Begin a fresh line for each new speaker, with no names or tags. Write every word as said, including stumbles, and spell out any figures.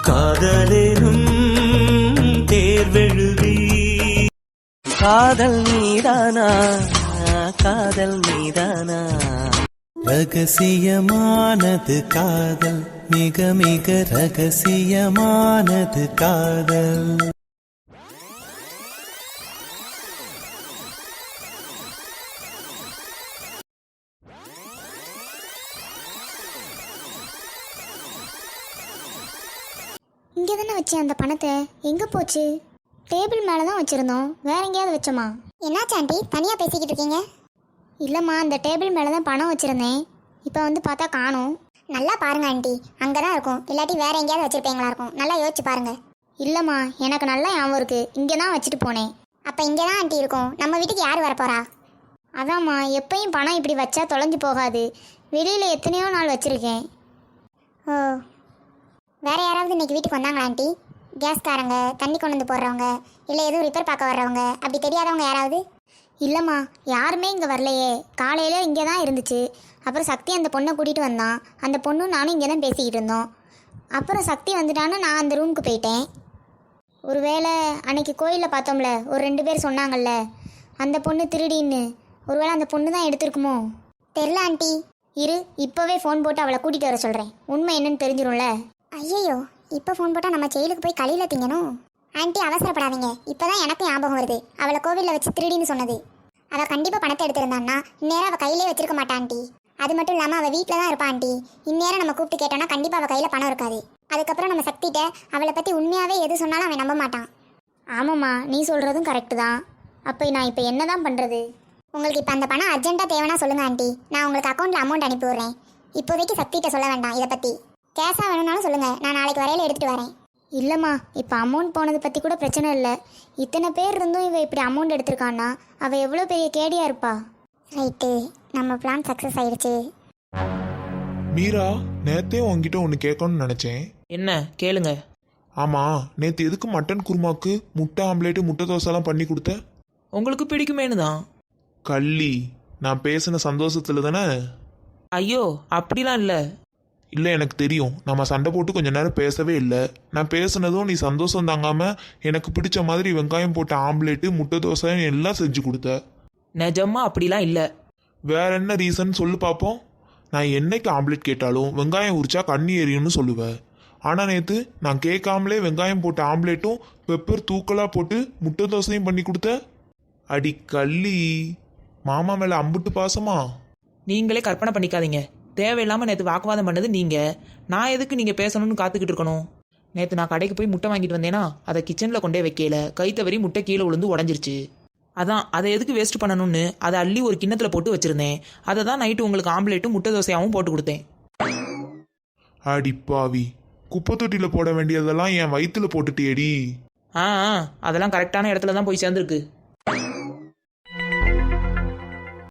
காதலேனும் தேர்வெழுதி காதல் மீதானா காதல் மீதானா ரகசியமானது காதல் மிக மிக ரகசியமானது காதல்.
இங்கே தானே வச்சேன் அந்த பணத்தை, எங்கே போச்சு? டேபிள் மேலே தான் வச்சுருந்தோம், வேற எங்கேயாவது வச்சோமா? என்னாச்சு ஆண்டி தனியாக பேசிக்கிட்டு இருக்கீங்க? இல்லைம்மா, அந்த டேபிள் மேலே தான் பணம் வச்சுருந்தேன், இப்போ வந்து பார்த்தா காணும். நல்லா பாருங்க ஆண்டி, அங்கே தான் இருக்கும், இல்லாட்டி வேற எங்கேயாவது வச்சுருப்பீங்களா இருக்கும், நல்லா யோசிச்சு பாருங்க. இல்லைம்மா, எனக்கு நல்லா ஞாபகம் இருக்குது, இங்கே தான் வச்சுட்டு போனேன். அப்போ இங்கே தான் ஆண்டி இருக்கும், நம்ம வீட்டுக்கு யார் வரப்போறா? அதாம்மா, எப்பயும் பணம் இப்படி வச்சா தொலைஞ்சு போகாது, வெளியில் எத்தனையோ நாள் வச்சுருக்கேன். ஓ, வேறு யாராவது இன்றைக்கி வீட்டுக்கு வந்தாங்களா ஆண்டி? கேஸ்காரங்க, தண்ணி கொண்டு வந்து போடுறவங்க, இல்லை எதுவும் ரிப்பேர் பார்க்க வர்றவங்க, அப்படி தெரியாதவங்க யாராவது? இல்லைம்மா, யாருமே இங்கே வரலையே, காலையில் இங்கே தான் இருந்துச்சு. அப்புறம் சக்தி அந்த பொண்ணை கூட்டிகிட்டு வந்தான், அந்த பொண்ணும் நானும் இங்கே தான் பேசிக்கிட்டு இருந்தோம். அப்புறம் சக்தி வந்துட்டான்னு நான் அந்த ரூமுக்கு போயிட்டேன். ஒரு வேளை அன்னைக்கு கோயிலில் பார்த்தோம்ல, ஒரு ரெண்டு பேர் சொன்னாங்கல்ல அந்த பொண்ணு திருடின்னு, ஒருவேளை அந்த பொண்ணு தான் எடுத்திருக்குமோ? தெரில ஆண்டி. இரு, இப்போவே ஃபோன் போட்டு அவளை கூட்டிகிட்டு வர சொல்கிறேன், உண்மை என்னன்னு தெரிஞ்சிடும்ல. ஐயோ, இப்போ ஃபோன் போட்டால் நம்ம ஜெயிலுக்கு போய் கழியில் திங்கணும். ஆண்டி அவசரப்படாதீங்க, இப்போ தான் எனக்கு ஞாபகம் வருது, அவளை கோவிலில் வச்சு திருடின்னு சொன்னது. அவள் கண்டிப்பாக பணத்தை எடுத்திருந்தான்னா இந்நேரம் அவள் கையிலே வச்சிருக்க மாட்டா ஆண்டி. அது மட்டும் இல்லாமல் அவள் வீட்டில் தான் இருப்பா ஆண்டி. இந்நேரம் நம்ம கூப்பிட்டு கேட்டோன்னா கண்டிப்பாக அவள் கையில் பணம் இருக்காது. அதுக்கப்புறம் நம்ம சக்திகிட்ட அவளை பற்றி உண்மையாகவே எது சொன்னாலும் அவன் நம்ப மாட்டான். ஆமாம்மா, நீ சொல்கிறதும் கரெக்டு தான். அப்போ நான் இப்போ என்ன தான் பண்ணுறது? உங்களுக்கு இப்போ அந்த பணம் அர்ஜென்ட்டாக தேவைன்னா சொல்லுங்கள் ஆண்டி, நான் உங்களுக்கு அக்கௌண்ட்டில் அமௌண்ட் அனுப்பி விட்றேன். இப்போதைக்கு சக்திகிட்ட சொல்ல வேண்டாம் இதை பற்றி. கேஷாக வேணும்னாலும் சொல்லுங்கள், நான் நாளைக்கு வரையில் எடுத்துகிட்டு வரேன். இல்லைம்மா, இப்போ அமௌண்ட் போனதை பற்றி கூட பிரச்சனை இல்லை. இத்தனை பேர் இருந்தும் இவள் இப்படி அமௌண்ட் எடுத்திருக்கான்னா அவள் எவ்வளோ பெரிய கேடியாக இருப்பா. ரைட்டு, நம்ம பிளான் சக்ஸஸ் ஆயிடுச்சு.
மீரா, நேத்தே உங்ககிட்ட ஒன்று கேட்கணும்னு நினச்சேன்.
என்ன கேளுங்க.
ஆமாம், நேற்று எதுக்கு மட்டன் குருமாக்கு முட்டை ஆம்லேட்டு முட்டை தோசைலாம் பண்ணி கொடுத்த?
உங்களுக்கு பிடிக்குமேனு தான்.
கள்ளி, நான் பேசின சந்தோஷத்தில் தானே?
ஐயோ, அப்படிலாம் இல்லை.
இல்லை, எனக்கு தெரியும். நம்ம சண்டை போட்டு கொஞ்ச நேரம் பேசவே இல்லை. நான் பேசுனதும் நீ சந்தோஷம் தாங்காமல் எனக்கு பிடிச்ச மாதிரி வெங்காயம் போட்ட ஆம்லேட்டு முட்டை தோசை எல்லாம் செஞ்சு கொடுத்த.
நிஜமா அப்படிலாம் இல்லை.
வேற என்ன ரீசன் சொல்லு பார்ப்போம். நான் என்னைக்கு ஆம்லேட் கேட்டாலும் வெங்காயம் உரிச்சா கண்ணி எரியும்னு சொல்லுவேன். ஆனால் நேற்று நான் கேட்காமலே வெங்காயம் போட்ட ஆம்லேட்டும் பெப்பர் தூக்கலாக போட்டு முட்டை தோசையும் பண்ணி கொடுத்த. அடி கள்ளி, மாமா மேலே அம்புட்டு பாசமா?
நீங்களே கற்பனை பண்ணிக்காதீங்க. தேவையில்லாமல் நேற்று வாக்குவாதம் பண்ணது நீங்கள். நான் எதுக்கு நீங்கள் பேசணும்னு காத்துக்கிட்டு இருக்கணும்? நேற்று நான் கடைக்கு போய் முட்டை வாங்கிட்டு வந்தேன்னா அதை கிச்சனில் கொண்டே வைக்கல, கை தவறி முட்டை கீழே விழுந்து உடஞ்சிருச்சு. அதான் அதை எதுக்கு வேஸ்ட் பண்ணணும்னு அதை அள்ளி ஒரு கிண்ணத்தில் போட்டு வச்சுருந்தேன். அதை தான் நைட்டு உங்களுக்கு ஆம்லேட்டும் முட்டை தோசையாகவும் போட்டு கொடுத்தேன்.
அடி பாவி, குப்பை தொட்டியில் போட வேண்டியதெல்லாம் என் வயிற்றுல போட்டுட்டியேடி.
ஆ, அதெல்லாம் கரெக்டான இடத்துல தான் போய் சேர்ந்துருக்கு.